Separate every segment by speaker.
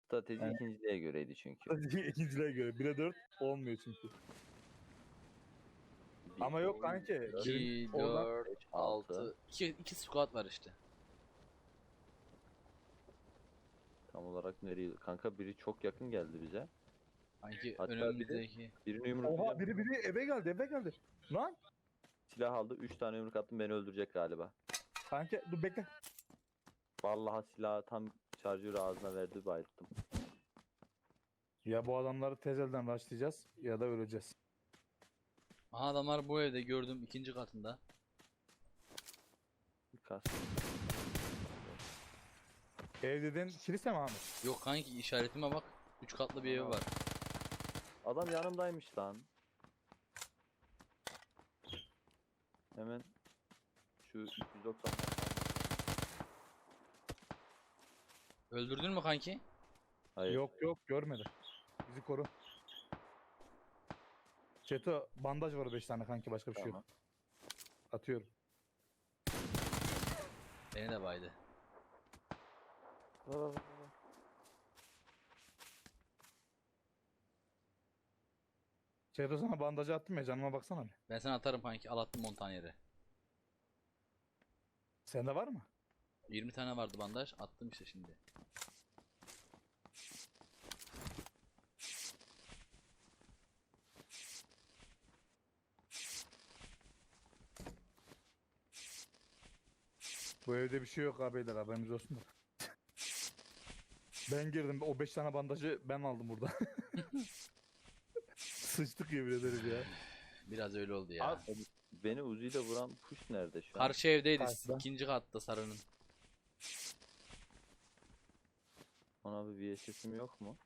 Speaker 1: Strateji
Speaker 2: Yani-
Speaker 1: ikinciliğe göreydi çünkü.
Speaker 2: İkinciliğe göre 1'e 4 olmuyor çünkü. Ama yok kanki.
Speaker 3: 2,
Speaker 2: Oradan
Speaker 3: 4,
Speaker 1: 5, 6.
Speaker 3: 6. 2 squad var işte.
Speaker 1: Tam olarak nereye? Kanka biri çok yakın geldi bize.
Speaker 3: Sanki
Speaker 1: Hatta
Speaker 3: önümüzdeki.
Speaker 1: Birini
Speaker 2: oha
Speaker 1: yumruklayacağım.
Speaker 2: biri eve geldi. Lan
Speaker 1: Silah aldı. 3 tane yumruk attım, beni öldürecek galiba.
Speaker 2: kanki dur bekle.
Speaker 1: Vallahi silahı tam şarjörü ağzına verdi, bayılttım.
Speaker 2: Ya bu adamları tez elden başlayacağız ya da öleceğiz.
Speaker 3: Aha, adamlar bu evde, gördüm, ikinci katında.
Speaker 1: Kas.
Speaker 2: Ev dedin kilise mi abi?
Speaker 3: Yok kanki, işaretime bak. 3 katlı bir ev
Speaker 1: Ana.
Speaker 3: var.
Speaker 1: Adam yanımdaymış lan. Hemen şu 290.
Speaker 3: Öldürdün mü kanki?
Speaker 1: Hayır.
Speaker 2: Yok görmedi. Bizi koru. Çeto bandaj var 5 tane kanki, başka bir şey
Speaker 1: Tamam.
Speaker 2: yok. Atıyorum.
Speaker 3: Beni de baydı.
Speaker 2: Çeto sana bandajı attım ya, canıma baksana bir.
Speaker 3: Ben sana atarım kanki, al attım 10 tane yere.
Speaker 2: Sende var mı?
Speaker 3: 20 tane vardı bandaj, attım işte şimdi.
Speaker 2: Bu evde bir şey yok abi beyler, haberiniz olsun da. Ben girdim, o 5 tane bandajı ben aldım burada. Sıçtık yemin ederim ya.
Speaker 3: Biraz öyle oldu ya.
Speaker 2: Abi,
Speaker 1: Beni Uzi ile vuran push nerede şu an?
Speaker 3: Karşı evdeydi,
Speaker 2: Karşıda.
Speaker 3: ikinci katta sarının.
Speaker 1: Ona bir VSS'im yok mu?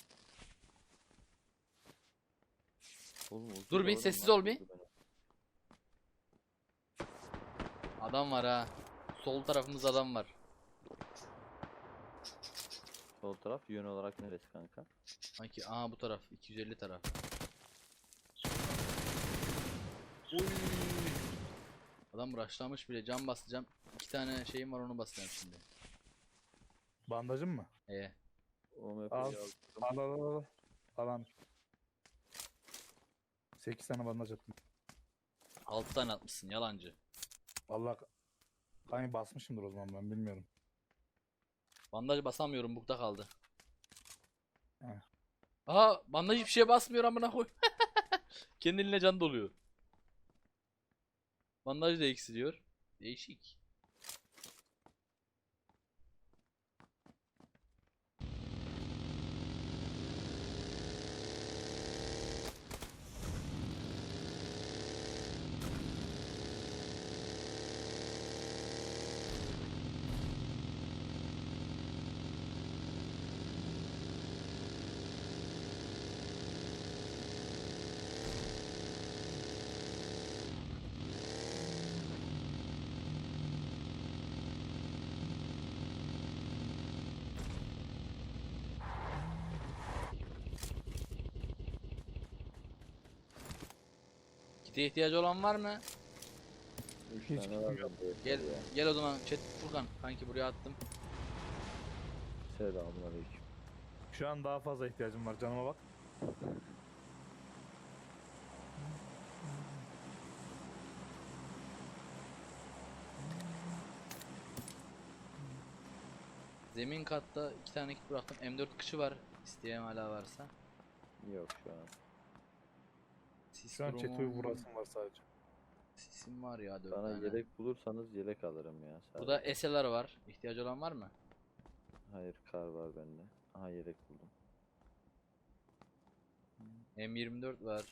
Speaker 1: Oğlum, Uzi
Speaker 3: Dur
Speaker 1: de
Speaker 3: bir,
Speaker 1: oradan
Speaker 3: sessiz
Speaker 1: nasıl
Speaker 3: ol bir.
Speaker 1: vurdu beni?
Speaker 3: Adam var ha. Sol tarafımızda adam var.
Speaker 1: Sol taraf yön olarak neresi kanka?
Speaker 3: Sanki aha bu taraf, 250 taraf. Adam rushlamış bile, cam basacağım. 2 tane şeyim var, onu basacağım şimdi.
Speaker 2: bandajın mı?
Speaker 1: OMP'yi
Speaker 2: Al.
Speaker 1: aldım.
Speaker 2: Al. Alan. 8 tane bandaj attım.
Speaker 3: 6 tane atmışsın, yalancı.
Speaker 2: Vallahi kanki basmışımdır o zaman, ben bilmiyorum.
Speaker 3: Bandaj basamıyorum, bukta kaldı.
Speaker 2: He.
Speaker 3: Aha, bandaj hiçbir şeye basmıyor amına koy. Kendi eline can doluyor. Bandaj da eksiliyor. Değişik. Kite ihtiyacı olan var mı?
Speaker 1: 3
Speaker 2: Hiç
Speaker 1: tane var
Speaker 2: bilmiyorum.
Speaker 1: bende
Speaker 3: Gel,
Speaker 1: yeter ya.
Speaker 3: gel o zaman chat Furkan kanki, buraya attım.
Speaker 1: Selamünaleyküm.
Speaker 2: Şu an daha fazla ihtiyacım var, canıma bak.
Speaker 3: Zemin katta 2 tane kit bıraktım. M4 kışı var. İsteyen hala varsa.
Speaker 1: Yok şu an.
Speaker 3: Sis
Speaker 2: Şu an Çeto'yu
Speaker 3: grubum-
Speaker 2: vurasım var sadece.
Speaker 3: Sisim var ya, 4
Speaker 1: Bana
Speaker 3: tane.
Speaker 1: yelek bulursanız yelek alırım ya.
Speaker 3: Burada
Speaker 1: sadece.
Speaker 3: SLR var. İhtiyacı olan var mı?
Speaker 1: Hayır, kar var bende. Aha, yelek buldum.
Speaker 3: M24 var.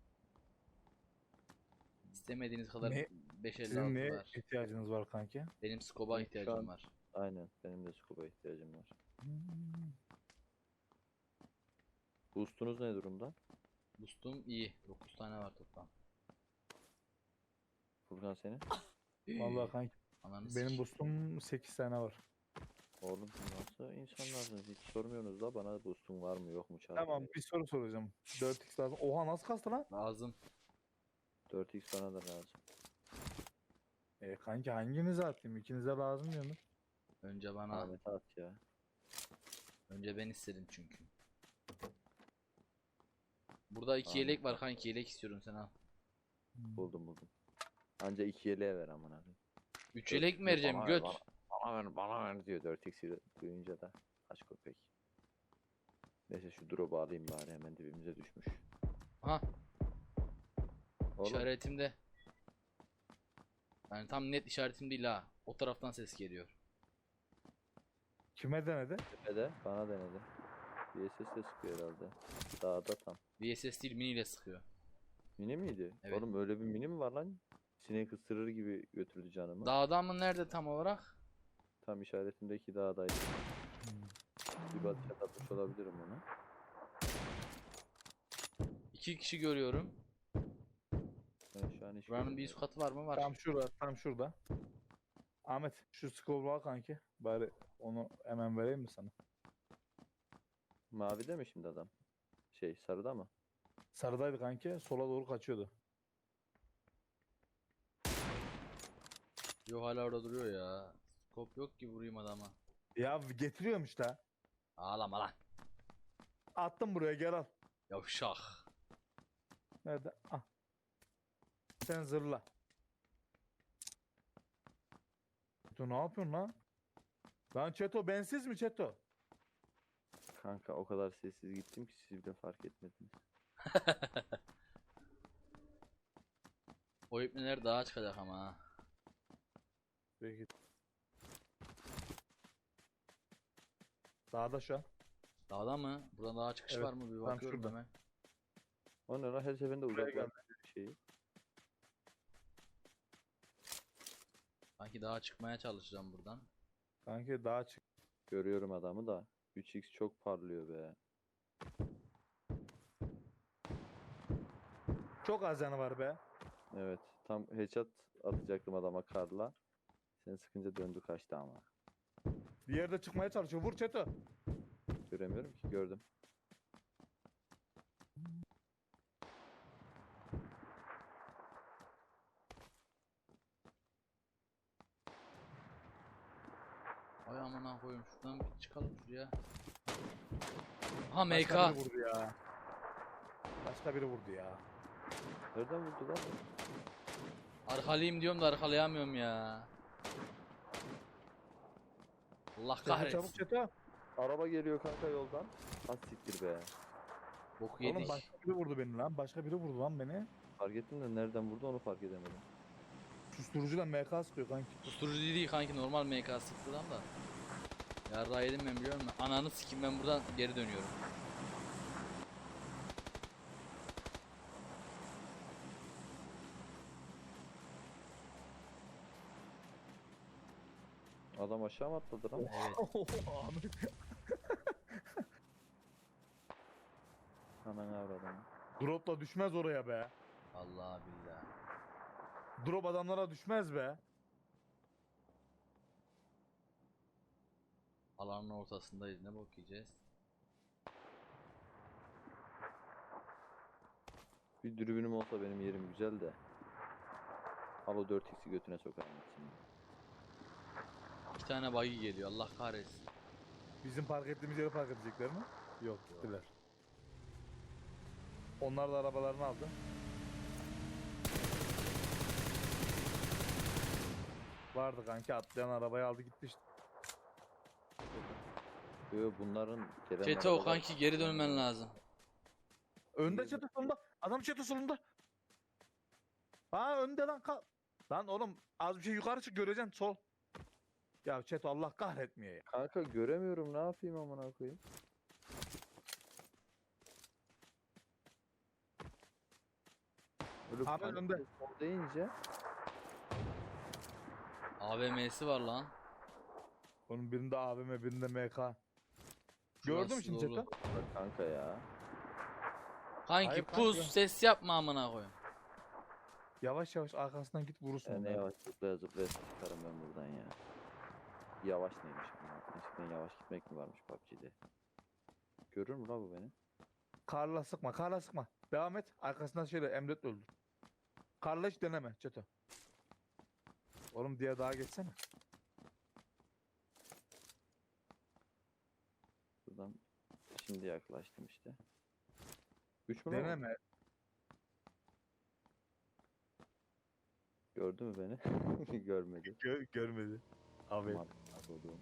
Speaker 3: İstemediğiniz kadar
Speaker 2: Ne-
Speaker 3: 556
Speaker 2: Sizin neye
Speaker 3: var.
Speaker 2: ihtiyacınız var kanki?
Speaker 3: Benim scope'a
Speaker 1: Ben şu
Speaker 3: ihtiyacım
Speaker 1: an-
Speaker 3: var.
Speaker 1: Aynen, benim de scuba ihtiyacım var. Boost'unuz ne durumda?
Speaker 3: Boost'um iyi. 9 tane var toplam.
Speaker 1: Furkan senin?
Speaker 2: Vallahi kanki
Speaker 3: Ananı
Speaker 2: benim
Speaker 3: sikeyim.
Speaker 2: boostum 8 tane var.
Speaker 1: Oğlum siz nasıl insanlarsınız? Hiç sormuyorsunuz da bana boost'un var mı yok mu çağırın.
Speaker 2: Tamam, bir soru soracağım. 4x lazım. Oha, nasıl kastı lan?
Speaker 3: Lazım.
Speaker 1: 4x bana da lazım.
Speaker 2: Kanki hanginize atayım? İkinize lazım diyorsunuz.
Speaker 3: Önce bana
Speaker 1: Ahmet'e at ya.
Speaker 3: Önce ben istedim çünkü. Burada 2
Speaker 1: Tamam.
Speaker 3: yelek var kanki, yelek istiyorum, sen al.
Speaker 1: Buldum. Anca 2 yeleğe ver amına koyayım.
Speaker 3: 3 yelek mi vereceğim
Speaker 1: Bana ver,
Speaker 3: göt?
Speaker 1: bana ver diyor 4x'i duyunca da. Kaç köpek. Neyse şu drop'u alayım bari, hemen dibimize düşmüş.
Speaker 3: Ha,
Speaker 1: Oğlum
Speaker 3: işaretimde. Yani tam net işaretim değil ha. O taraftan ses geliyor.
Speaker 2: Kime denedi?
Speaker 1: tepede bana denedi. VSS de sıkıyor herhalde. Dağda tam.
Speaker 3: VSS değil, mini ile sıkıyor.
Speaker 1: Mini miydi?
Speaker 3: Evet.
Speaker 1: Oğlum öyle bir mini mi var lan? Sinek ısırır gibi götürdü canımı.
Speaker 3: Dağda mı, nerede tam olarak?
Speaker 1: Tam işaretimdeki dağdaydı. Bir batışa atmış olabilirim onu.
Speaker 3: 2 kişi görüyorum.
Speaker 1: Ben şu an hiç
Speaker 3: Buranın bir
Speaker 1: görmüyorum.
Speaker 3: üst katı var mı? Var.
Speaker 2: Tam şurada. Ahmet şu scroll'u al kanki. Bari onu hemen vereyim mi sana?
Speaker 1: Mavide mi şimdi adam? Şey, sarıda mı?
Speaker 2: Sarıdaydı kanki. Sola doğru kaçıyordu.
Speaker 3: Yok, hala orada duruyor ya. Skop yok ki vurayım adama.
Speaker 2: Ya getiriyorum işte.
Speaker 3: Ağlama lan.
Speaker 2: Attım buraya, gel al.
Speaker 3: Yavşak.
Speaker 2: Nerede? Ah. Sen zırla. Çeto ne yapıyorsun lan? Lan Çeto bensiz mi Çeto?
Speaker 1: Kanka o kadar sessiz gittim ki siz bile fark etmediniz.
Speaker 3: O ipneler daha çıkacak ama ha.
Speaker 2: Peki. Dağda şu an.
Speaker 3: Dağda mı? Buradan daha çıkış
Speaker 2: Evet,
Speaker 3: var mı? Bir
Speaker 2: tam
Speaker 3: bakıyorum
Speaker 2: şurada.
Speaker 3: hemen.
Speaker 1: O ne lan, her seferinde uzaklaştırıyor şeyi.
Speaker 3: Sanki daha çıkmaya çalışacağım buradan.
Speaker 2: Kanki dağa çık.
Speaker 1: Görüyorum adamı da. 3x çok parlıyor be.
Speaker 2: Çok az yanı var be.
Speaker 1: Evet, tam headshot atacaktım adama karla. Sen sıkınca döndü kaçtı ama.
Speaker 2: Bir yerde çıkmaya çalışıyor. Vur Çeto.
Speaker 1: Göremiyorum ki, gördüm.
Speaker 3: Ay amına koyayım, şuradan bir çıkalım şuraya. Ha, MK.
Speaker 2: Başka biri vurdu ya. Başka biri vurdu ya.
Speaker 1: Nereden vurdu lan?
Speaker 3: Arkalayayım diyorum da arkalayamıyorum ya. Allah
Speaker 2: Çeto çabuk
Speaker 3: kahretsin.
Speaker 2: Çeto.
Speaker 1: Araba geliyor kanka yoldan. Az siktir be.
Speaker 3: Boku
Speaker 2: Oğlum
Speaker 3: yedik.
Speaker 2: başka biri vurdu beni lan. Başka biri vurdu lan beni.
Speaker 1: Fark ettim de nereden vurdu onu fark edemedim.
Speaker 2: Susturucuyla MK sıkıyor kanki.
Speaker 3: Susturucu değil kanki, normal MK sıktı lan da. Yarrağı yedim ben, biliyor musun? Ananı sikeyim, ben buradan geri dönüyorum.
Speaker 1: Adam aşağı mı atladı lan?
Speaker 3: Evet.
Speaker 2: Ahmet.
Speaker 1: Hemen avradım.
Speaker 2: Drop'la düşmez oraya be.
Speaker 3: Allah billah.
Speaker 2: Drop adamlara düşmez be.
Speaker 3: Alanın ortasındayız, ne bok yiyeceğiz?
Speaker 1: Bir dürbünüm olsa benim yerim güzel de. Al o 4x'i götüne sokarım şimdi.
Speaker 3: 2 tane buggy geliyor, Allah kahretsin.
Speaker 2: Bizim park ettiğimiz yere park edecekler mi? Yok, gittiler. Onlar da arabalarını aldı. Vardı kanki, atlayan arabayı aldı gitti işte.
Speaker 1: Yo, bunların gelen
Speaker 3: Çete o
Speaker 1: arabalar-
Speaker 3: kanki, geri dönmen lazım.
Speaker 2: Önde Çeto solunda. Adam Çeto solunda. Ha önde lan kal. Lan oğlum az bir şey yukarı çık, göreceksin sol. Ya Çeto Allah kahretmiyor ya.
Speaker 1: Kanka göremiyorum, ne yapayım amına koyayım. Öyle
Speaker 2: Abi
Speaker 1: panik
Speaker 2: önde.
Speaker 1: sol deyince
Speaker 3: AVM'si var lan.
Speaker 2: Onun birinde AVM birinde MK. Gördün mü
Speaker 3: Şurası
Speaker 2: şimdi
Speaker 3: dolu.
Speaker 2: Çeto?
Speaker 1: bak kanka ya.
Speaker 3: Kanki
Speaker 2: Hayır
Speaker 3: pus,
Speaker 2: kanki.
Speaker 3: ses yapma amına koyayım.
Speaker 2: Yavaş yavaş arkasından git vurursun.
Speaker 1: Ne
Speaker 2: onları.
Speaker 1: yavaş zıplaya zıplaya çıkarım ben buradan ya. Yavaş neymiş ama. Eskiden yavaş gitmek mi varmış PUBG'de? Görür mü la bu beni?
Speaker 2: Karla sıkma, karla sıkma. Devam et. Arkasından şöyle emret öldür. Karla hiç deneme Çeto. Oğlum diye daha geçsene.
Speaker 1: Buradan Şimdi yaklaştım işte. 3 mü lan o?
Speaker 2: Deneme.
Speaker 1: Gördü mü beni? Görmedi.
Speaker 2: Görmedi. Abi.
Speaker 1: Aman Allah'ım.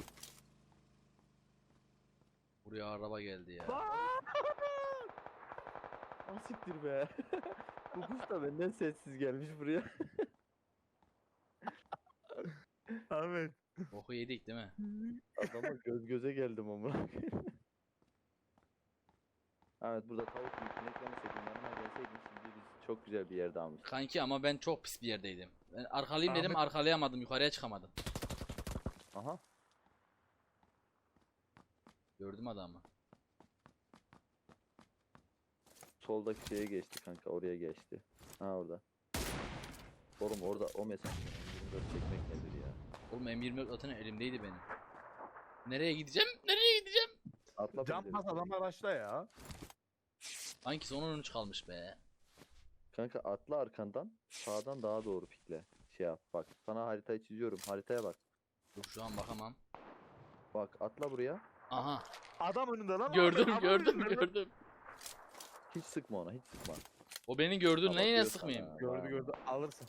Speaker 3: Buraya araba geldi ya.
Speaker 1: Asiktir be. Bu kuş da benden sessiz gelmiş buraya.
Speaker 2: Ahmet.
Speaker 3: Boku yedik değil mi?
Speaker 1: Adama göz göze geldim amına. Evet burada tavuk büyük ineklemeseydin yanıma gelseydin şimdi biz çok güzel bir yerde almıştık.
Speaker 3: Kanki ama ben çok pis bir yerdeydim. Ben arkalayayım dedim,
Speaker 2: Ahmet-
Speaker 3: arkalayamadım, yukarıya çıkamadım.
Speaker 1: Aha.
Speaker 3: Gördüm adamı.
Speaker 1: Soldaki şeye geçti kanka oraya geçti. Ha orada. Oğlum orada o mesaj 24 çekmek nedir ya?
Speaker 3: Oğlum M24 zaten elimdeydi benim. Nereye gideceğim? Nereye gideceğim?
Speaker 1: Atla
Speaker 2: Can
Speaker 1: penceresi.
Speaker 2: pas adamlar başla ya.
Speaker 3: Sanki son 13 kalmış be.
Speaker 1: Kanka atla arkandan sağdan daha doğru pikle. Şey yap bak sana haritayı çiziyorum haritaya bak.
Speaker 3: Dur şu an bakamam.
Speaker 1: Bak atla buraya.
Speaker 3: Aha.
Speaker 2: Adam önünde lan.
Speaker 3: Gördüm,
Speaker 2: Ahmet, adam
Speaker 3: gördüm,
Speaker 2: önünde.
Speaker 3: gördüm.
Speaker 1: Hiç sıkma ona hiç sıkma.
Speaker 3: O beni gördü,
Speaker 1: Ama
Speaker 3: neyine
Speaker 1: diyor
Speaker 3: sıkmayayım?
Speaker 1: sana,
Speaker 2: Gördü
Speaker 1: ha.
Speaker 2: gördü. Alırsın.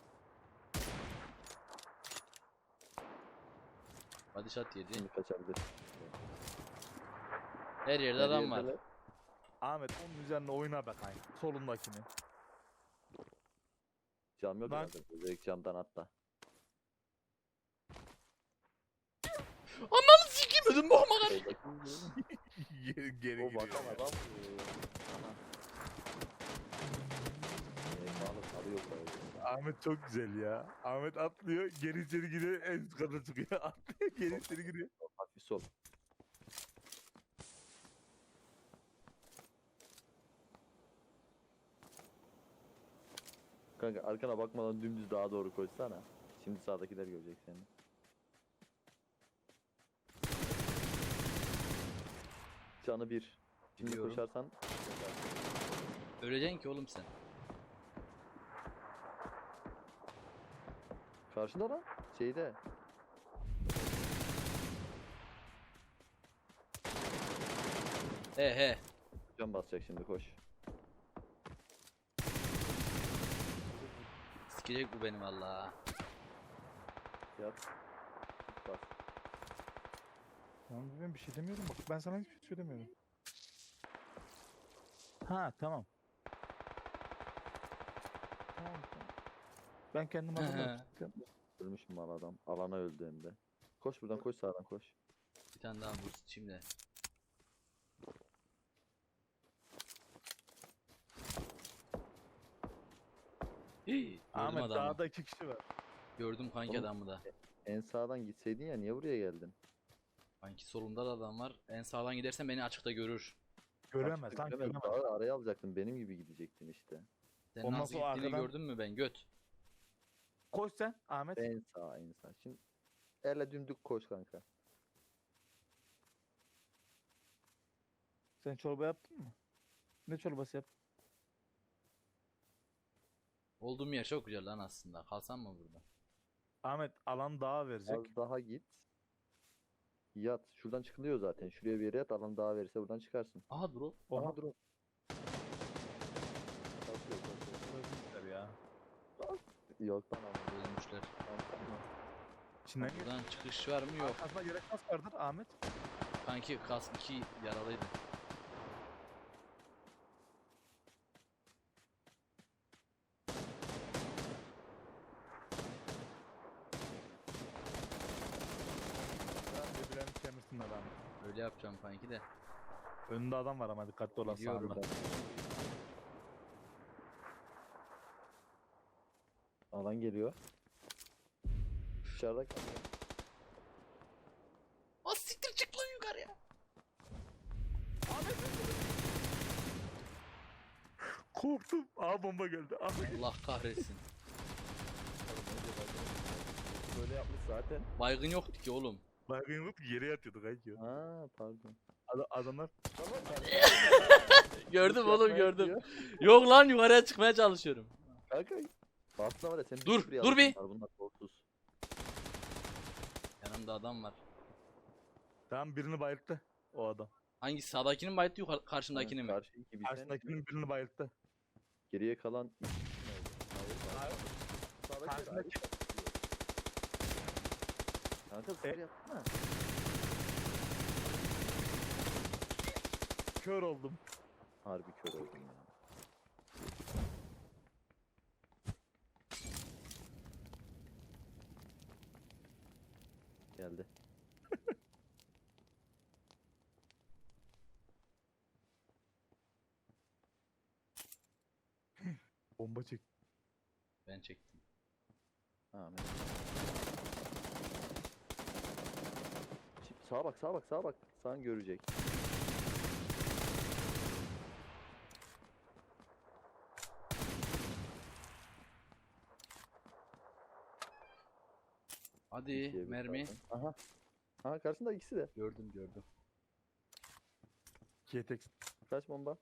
Speaker 3: Hadi şat yedi.
Speaker 1: Şimdi kaçabilir.
Speaker 3: Her yerde
Speaker 1: Her
Speaker 3: adam var.
Speaker 1: yerdeler.
Speaker 2: Ahmet onun üzerine oyna be kanka. Solundakini.
Speaker 1: Cam yok
Speaker 2: Lan.
Speaker 1: herhalde. Direkt camdan atla.
Speaker 3: Ananı sikeyim, ödüm boğma kadar.
Speaker 1: Soldaki
Speaker 2: Geri
Speaker 1: o
Speaker 2: gidiyor.
Speaker 1: bakan
Speaker 2: ya.
Speaker 1: adam. Ana. Sağlık alıyor böyle.
Speaker 2: Ahmet çok güzel ya. Ahmet atlıyor, geri içeri giriyor, en üst kata çıkıyor. Atlıyor, geri içeri giriyor.
Speaker 1: Hafif sol. Kanka arkana bakmadan dümdüz daha doğru koşsana. Şimdi sağdakiler görecek seni. Canı bir. Şimdi
Speaker 3: Biliyorum.
Speaker 1: koşarsan
Speaker 3: Öleceksin ki oğlum sen.
Speaker 1: karşında lan şeyde.
Speaker 3: He.
Speaker 1: Can basacak şimdi koş.
Speaker 3: Sikecek bu beni valla.
Speaker 1: Yat. Bas.
Speaker 2: Tamam ben bir şey demiyorum bak. Ben sana hiçbir şey söylemiyorum. Ha tamam. Tamam tamam. Ben kendim hazırlamıştım.
Speaker 1: Ölmüş mü mal adam? Alana öldü hem de. Koş buradan koş sağdan koş.
Speaker 3: Bir tane daha vur şimdi. Hii, gördüm
Speaker 2: Ahmet
Speaker 3: adamı.
Speaker 2: dağda 2 kişi var.
Speaker 3: Gördüm kanki
Speaker 1: Oğlum.
Speaker 3: adamı da.
Speaker 1: En sağdan gitseydin ya niye buraya geldin?
Speaker 3: Kanki solumda da adam var. En sağdan gidersen beni açıkta görür.
Speaker 2: Göremez
Speaker 1: Açıkta
Speaker 2: lan
Speaker 1: göremez.
Speaker 2: göremez.
Speaker 1: Daha araya alacaktın benim gibi gidecektin işte.
Speaker 3: Sen
Speaker 2: Ondan
Speaker 3: nasıl
Speaker 2: sonra
Speaker 3: gittiğini
Speaker 2: arkadan-
Speaker 3: gördün mü ben göt.
Speaker 2: Koş sen Ahmet.
Speaker 1: En sağ en sağ. Şimdi elle dümdük koş kanka.
Speaker 2: Sen çorba yaptın mı? Ne çorbası yaptın?
Speaker 3: Olduğum yer çok güzel lan aslında. Kalsam mı burada?
Speaker 2: Ahmet alan dağa verecek.
Speaker 1: Az daha git. Yat. Şuradan çıkılıyor zaten. Şuraya bir yere yat. Alan daha verirse buradan çıkarsın.
Speaker 3: Aha dur o.
Speaker 2: Oha.
Speaker 1: Aha dur. o. Kalkıyor, kalkıyor.
Speaker 2: Öldüler ya.
Speaker 1: Yok lan ama.
Speaker 3: Ölmüşler.
Speaker 2: İçinden gir.
Speaker 3: Buradan çıkış var mı? Yok.
Speaker 2: Arkasına gerek kas vardır Ahmet.
Speaker 3: Kanki kask 2 yaralıydı.
Speaker 2: Birbirlerini kemirsinler Ahmet.
Speaker 3: Öyle yapacağım kanki de.
Speaker 2: Önünde adam var ama dikkatli ol
Speaker 3: Biliyorum.
Speaker 2: sağında.
Speaker 1: Alan geliyor. Dışarıda kalıyor.
Speaker 3: Az siktir çık lan yukarıya.
Speaker 2: Korktum. Aa bomba geldi. Ahmet.
Speaker 3: Allah kahretsin.
Speaker 1: Böyle yapmış zaten.
Speaker 3: Baygın yoktu ki oğlum.
Speaker 2: Baygın yok yere yatıyordu kanki.
Speaker 1: Ha pardon.
Speaker 2: Adamlar.
Speaker 3: Gördüm oğlum
Speaker 1: Yapmaya
Speaker 3: gördüm.
Speaker 1: gidiyor.
Speaker 3: Yok lan yukarıya çıkmaya çalışıyorum.
Speaker 1: Kanka. Aslında var ya sen
Speaker 3: Dur,
Speaker 1: sprey
Speaker 3: dur bir.
Speaker 1: alırsın, Bunlar korkusuz.
Speaker 3: Yanımda adam var.
Speaker 2: Tamam birini bayılttı o adam.
Speaker 3: Hangi sağdakinin bayılttı yukarı karşındakini mi?
Speaker 1: Karşı iki bir sen.
Speaker 2: Karşındakinin birini bayılttı.
Speaker 1: Geriye kalan iki kişi mi oldu? Hayır. Sağdaki de
Speaker 2: Karşındaki-
Speaker 1: ayrı yapıyor. Kanka sıfır yapma.
Speaker 2: Kör oldum.
Speaker 1: Harbi kör oldum ya. Geldi.
Speaker 2: Bomba çek.
Speaker 3: Ben çektim.
Speaker 1: Amin. Şimdi sağa bak, sağa bak, sağa bak. Sağın görecek.
Speaker 3: Hadi
Speaker 1: İkiye bir
Speaker 3: mermi.
Speaker 1: zaten. Aha. Aha karşında ikisi de.
Speaker 3: Gördüm gördüm.
Speaker 2: İkiye tek.
Speaker 1: Kaç bomba?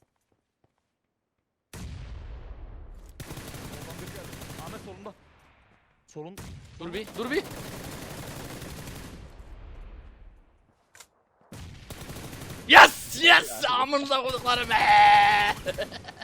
Speaker 2: Soldan bir geldi. Ahmet solunda. Solun.
Speaker 3: Dur bir dur bir. Yes yes amınıza koyduklarım.